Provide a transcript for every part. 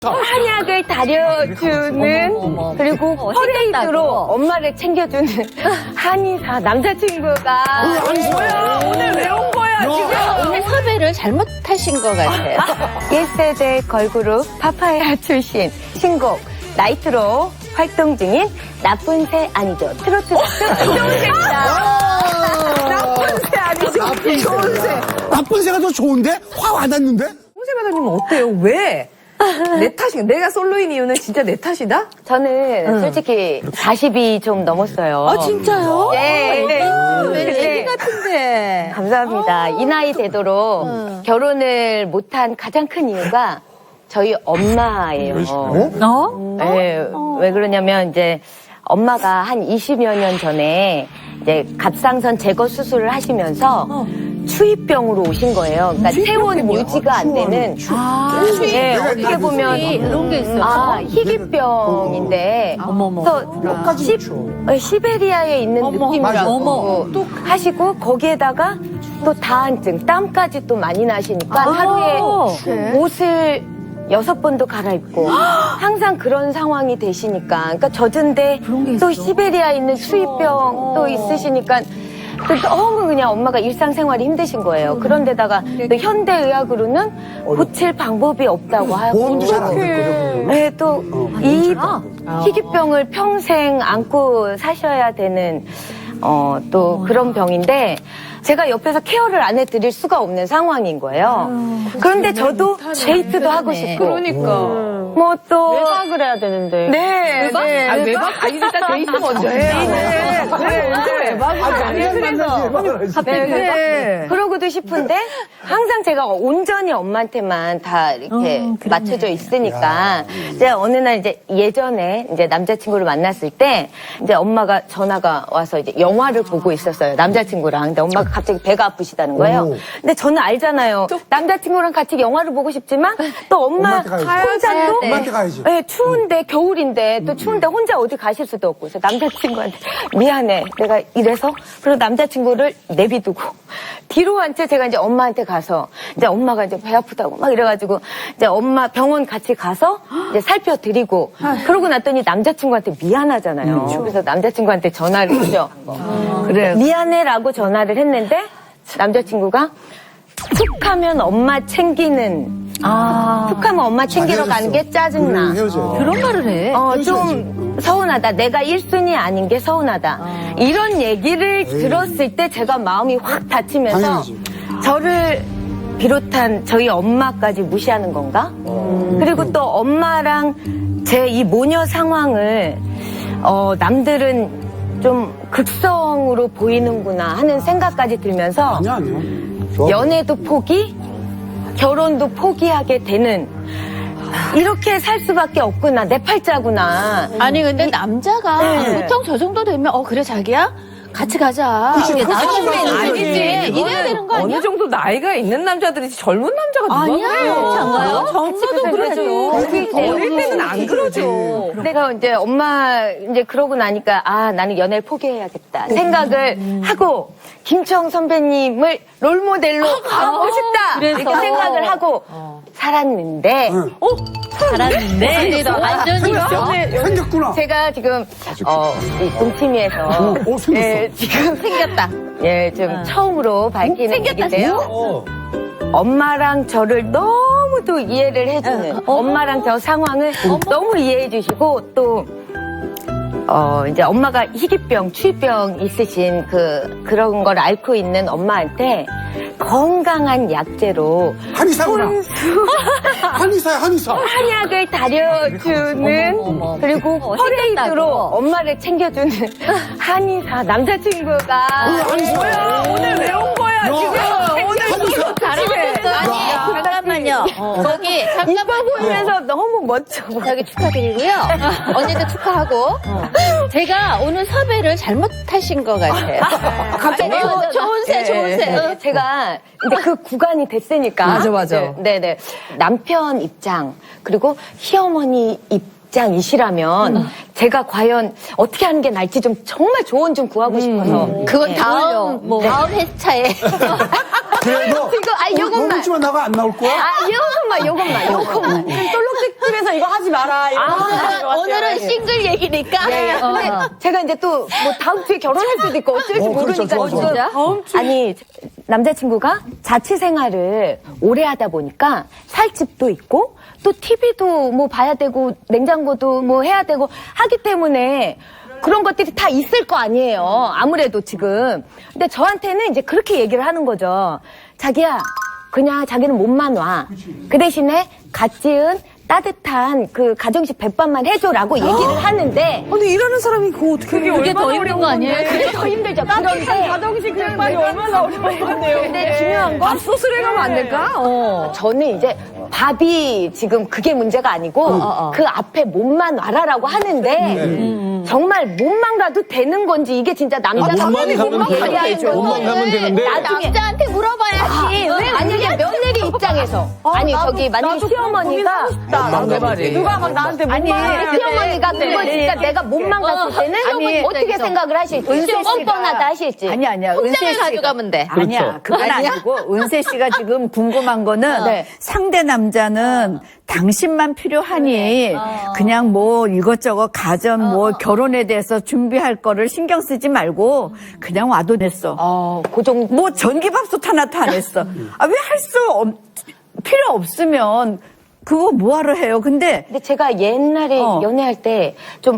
한약을 다려주는 그리고 퍼레이드로 엄마를 챙겨주는 한의사 남자친구가 뭐야 오늘 왜 온 거야 지금? 오늘 섭외를 잘못하신 것 같아요. 옛세대 걸그룹 파파야 출신 신곡 나이트로 활동 중인 나쁜 새 아니죠 트로트 좋은 새입니다. 나쁜 새 아니지 좋은 새. 나쁜 새가 더 좋은데? 확 와닿는데? 홍세 배우님 어때요? 왜? 내 탓인가? 내가 솔로인 이유는 진짜 내 탓이다? 저는 솔직히 40이 좀 넘었어요. 아, 진짜요? 네. 애기 같은데. 감사합니다. 이 나이 되도록 결혼을 못한 가장 큰 이유가 저희 엄마예요. 네, 왜 그러냐면 이제 엄마가 한 20여 년 전에 이제 갑상선 제거 수술을 하시면서 추위병으로 오신 거예요. 그러니까 체온 유지가 안 되는. 네, 어떻게 보면 이런 게 있어. 희귀병인데. 그래서 시베리아에 있는 느낌이라고 또 하시고 거기에다가 또 다한증, 땀까지 또 많이 나시니까 하루에 옷을 6번도 갈아입고 항상 그런 상황이 되시니까 그러니까 젖은데 또 시베리아에 있는 추위병 또 있으시니까 너무 그냥 엄마가 일상생활이 힘드신 거예요. 그런데다가 또 현대의학으로는 고칠 방법이 없다고 하고 보험도 잘 안 됐거든. 네, 또 이 희귀병을 평생 안고 사셔야 되는 또 그런 병인데 제가 옆에서 케어를 안 해드릴 수가 없는 상황인 거예요. 그런데 저도 데이트도 하고 싶고. 그러니까. 뭐 또. 외박을 해야 되는데. 네. 외박? 네. 아니, 외박? 아니, 일단 데이트 먼저 해요. 그래, 언제 외박을 아니, 그래서. 네. 그러고도 싶은데 항상 제가 온전히 엄마한테만 다 이렇게 맞춰져 있으니까 이제 어느 날 이제 예전에 이제 남자친구를 만났을 때 이제 엄마가 전화가 와서 이제 영화를 보고 있었어요. 남자친구랑. 근데 엄마가 갑자기 배가 아프시다는 거예요. 근데 저는 알잖아요. 남자친구랑 같이 영화를 보고 싶지만 또 엄마 엄마한테 가야지. 혼자도 엄마한테 가야지. 네, 추운데 겨울인데 또 추운데 혼자 어디 가실 수도 없고 그래서 남자친구한테 미안해 내가 이래서 그리고 남자친구를 내비두고 뒤로 한 채 제가 이제 엄마한테 가서 이제 엄마가 이제 배 아프다고 막 이래가지고 이제 엄마 병원 같이 가서 이제 살펴드리고 그러고 났더니 남자친구한테 미안하잖아요. 그래서 남자친구한테 전화를 했죠. 그래. 미안해라고 전화를 했는데 남자친구가 툭하면 엄마 챙기는 툭하면 엄마 챙기러 가는 게 짜증나. 헤어져요. 그런 말을 해. 좀 서운하다. 내가 1순위 아닌 게 서운하다. 이런 얘기를 들었을 때 제가 마음이 확 다치면서 당연하지. 저를 비롯한 저희 엄마까지 무시하는 건가? 그리고 또 엄마랑 제 이 모녀 상황을 남들은 좀 극성으로 보이는구나 하는 생각까지 들면서 아니야. 좋아. 연애도 포기, 결혼도 포기하게 되는 이렇게 살 수밖에 없구나. 내 팔자구나. 아니, 근데 남자가 네. 보통 저 정도 되면, 그래, 자기야? 같이 가자. 그치, 이게 그치, 나중에 그치. 아니지. 이래야 되는 거 아니야? 어느 정도 나이가 있는 남자들이지 젊은 남자가 누가 아니야, 그래요? 그렇지 않아요? 젊어도 그러죠. 어릴 때는 안 그러죠. 내가 이제 엄마 이제 그러고 나니까 나는 연애를 포기해야겠다 생각을 하고 김청 선배님을 롤모델로 가고 싶다 이렇게 생각을 하고 살았는데 잘하는데. 완전히 있어. 생겼구나. 제가 지금 이 동치미에서 생겼어. 지금 생겼다. 예, 지금 처음으로 밝히는 얘기인데요. 엄마랑 저를 너무도 이해를 해주는 엄마랑 저 상황을 너무 이해해 주시고 또 이제 엄마가 희귀병, 추위병 있으신 그런 걸 앓고 있는 엄마한테 건강한 약재로 한의사구나. 한의사야, 한의사. 한약을 다려주는 그리고 퍼레이드로 엄마를 챙겨주는 한의사 남자친구가 뭐야 오늘 왜 온 거야 지금? 오늘 이거 아니, 잠깐만요. 저기, 오빠 보면서 너무 멋져. 저기 축하드리고요. 언니도 축하하고. 제가 오늘 섭외를 잘못하신 것 같아요. 갑자기 좋은 새, 좋은 새. 제가 이제 그 구간이 됐으니까. 맞아. 네네. 남편 입장 그리고 시어머니 입장이시라면 제가 과연 어떻게 하는 게 나을지 좀 정말 조언 좀 구하고 싶어서. 그건 다음 회차에. 그래도 지금, 요것만. 너무 만 나가 안 나올 거야? 요것만. 똘록집에서 이거 하지 마라. 오늘은 싱글 얘기니까. 근데 제가 이제 또 뭐 다음 주에 결혼할 수도 있고 어쩔지 그렇죠. 모르니까 좋아, 좋아. 지금 아니 남자친구가 자취 생활을 오래 하다 보니까 살집도 있고 또 TV도 뭐 봐야 되고 냉장고도 뭐 해야 되고 하기 때문에 그런 것들이 다 있을 거 아니에요. 아무래도 지금. 근데 저한테는 이제 그렇게 얘기를 하는 거죠. 자기야, 그냥 자기는 몸만 와. 그 대신에 갓 지은 따뜻한 그 가정식 백반만 해줘라고 얘기를 하는데. 근데 일하는 사람이 그거 어떻게 그게 더 힘든 거 아니에요? 그게 더 힘들죠. 그런데. 가정식 백반이 얼마나 어려운데요. 근데 중요한 건. 밥솥을 해가면 안 될까? 저는 이제 밥이 지금 그게 문제가 아니고 그 앞에 몸만 와라라고 하는데 정말 몸만 가도 되는 건지 이게 진짜 남자분이 몸만 가면 되죠. 몸만 가면 되는데. 남자한테 물어봐야지. 왜 만약에 며느리 입장에서 아니 저기 만약에 시어머니가 내 말이. 누가 막 나한테 아니 시어머니가 그걸 진짜 내가 몸만 갔을 때는 아니, 어떻게 생각을 하실지 은세 씨가- 뻔뻔하다 하실지 아니야. 은세 혼자만 씨가 가져가면 돼. 아니야. 그건 아니고 은세 씨가 지금 궁금한 거는 네. 상대 남자는 당신만 필요하니 그냥 뭐 이것저것 가전 뭐 결혼에 대해서 준비할 거를 신경 쓰지 말고 그냥 와도 됐어. 그 정도 뭐 전기밥솥 하나도 안 했어. 아, 왜 할 수 필요 없으면 그거 뭐하러 해요. 근데 제가 옛날에 연애할 때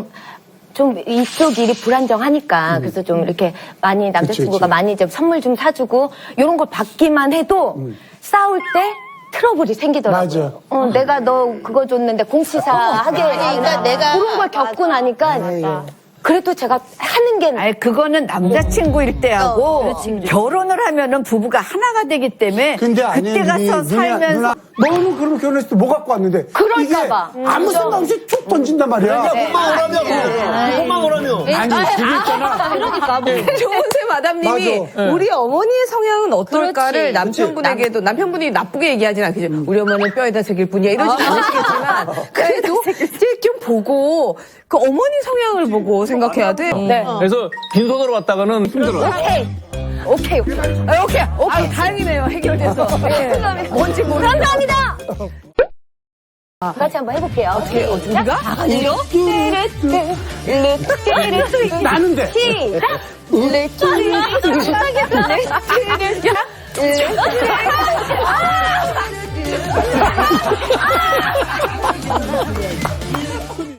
좀 이쪽 일이 불안정하니까 그래서 좀 이렇게 많이 남자친구가 그치. 많이 좀 선물 좀 사주고 이런 걸 받기만 해도 싸울 때 트러블이 생기더라고요. 맞아. 내가 너 그거 줬는데 공시사 하게 그러니까 내가- 그런 걸 겪고 나니까 그래도 제가 하는 게 아니 그거는 남자친구일 때하고 결혼을 하면은 부부가 하나가 되기 때문에 근데 아니, 그때 가서 살면서 누나, 너는 그럼 결혼했을 때 뭐 갖고 왔는데? 그럴까 이게 봐. 아무 생각 없이 툭 던진단 말이야. 몸만 오라며. 몸만 오라며. 아니, 그게 있잖아. 그러니까 뭐. 조은세 마담님이 맞아. 우리 어머니의 성향은 어떨까를 그렇지. 남편분에게도 남편분이 나쁘게 얘기하진 않겠죠. 우리 어머니는 뼈에다 새길 뿐이야 이러진 않으시겠지만 그래도 이제 좀 보고 그 어머니 성향을 보고 생각해야 돼. 네. 그래서 빈손으로 왔다가는 힘들어. 오케이. 오케이. 다행이네요. 해결돼서. 뭔지 모르. 감사합니다. 같이 한번 해볼게요. 우리가? 아니요. 나는데. 시작.